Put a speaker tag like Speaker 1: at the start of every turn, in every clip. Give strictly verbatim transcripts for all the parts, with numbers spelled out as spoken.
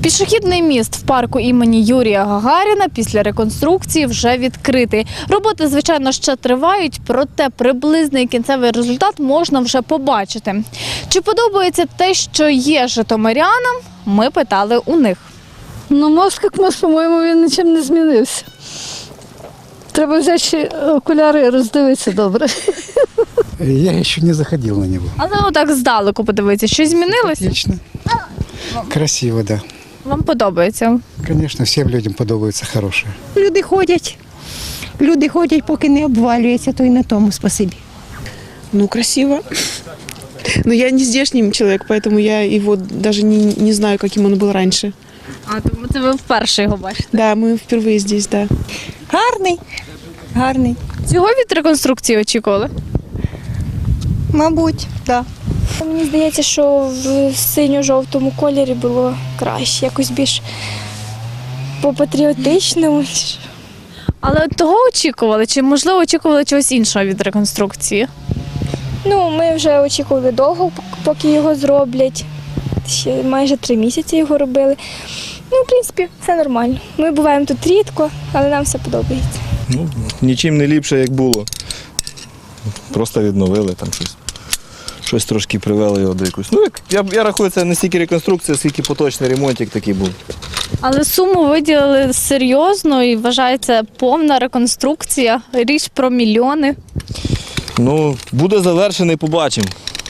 Speaker 1: Пішохідний міст в парку імені Юрія Гагаріна після реконструкції вже відкритий. Роботи, звичайно, ще тривають, проте приблизний кінцевий результат можна вже побачити. Чи подобається те, що є житомирянам, ми питали у них.
Speaker 2: Ну, мост, як мост, по-моєму, він нічим не змінився. Треба взяти ще окуляри і роздивитися добре.
Speaker 3: Я ще не заходив на нього.
Speaker 1: Але отак здалеку подивитися, щось змінилося?
Speaker 3: Отлично. Красиво, да.
Speaker 1: Вам подобається?
Speaker 3: Звісно, всім людям подобається хороше.
Speaker 4: Люди ходять, люди ходять, поки не обвалюється, то й на тому спасибі.
Speaker 5: Ну, красиво. Но я не здешний человек, поэтому я его даже не, не знаю, каким он был раньше.
Speaker 1: А, тому це ви вперше його бачите.
Speaker 5: Да, мы впервые здесь, да.
Speaker 6: Гарний, гарний.
Speaker 1: Цього від реконструкції очікували?
Speaker 6: Мабуть, так. Да.
Speaker 7: Мені здається, що в синьо-жовтому кольорі було краще, якось більш по-патріотичному.
Speaker 1: Але того очікували? Чи, можливо, очікували чогось іншого від реконструкції?
Speaker 7: Ну, ми вже очікували довго, поки його зроблять. Ще майже три місяці його робили. Ну, в принципі, все нормально. Ми буваємо тут рідко, але нам все подобається.
Speaker 8: Ну, нічим не ліпше, як було. Просто відновили там щось. Щось трошки привели його до якусь. Ну, як, я, я рахую, це не стільки реконструкція, скільки поточний ремонтик такий був.
Speaker 1: Але суму виділили серйозно і вважається повна реконструкція. Річ про мільйони.
Speaker 8: Ну, буде завершений, побачимо.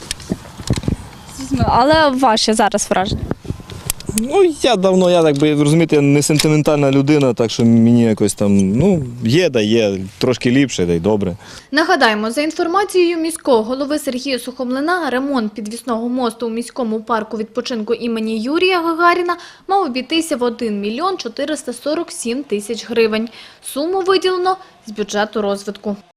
Speaker 1: Але ваші зараз враження?
Speaker 8: Ну, я давно, я так би, розумієте, я не сентиментальна людина, так що мені якось там, ну, є, да є, трошки ліпше, да й добре.
Speaker 1: Нагадаємо, за інформацією міського голови Сергія Сухомлина, ремонт підвісного мосту у міському парку відпочинку імені Юрія Гагаріна мав обійтися в один мільйон чотириста сорок сім тисяч гривень. Суму виділено з бюджету розвитку.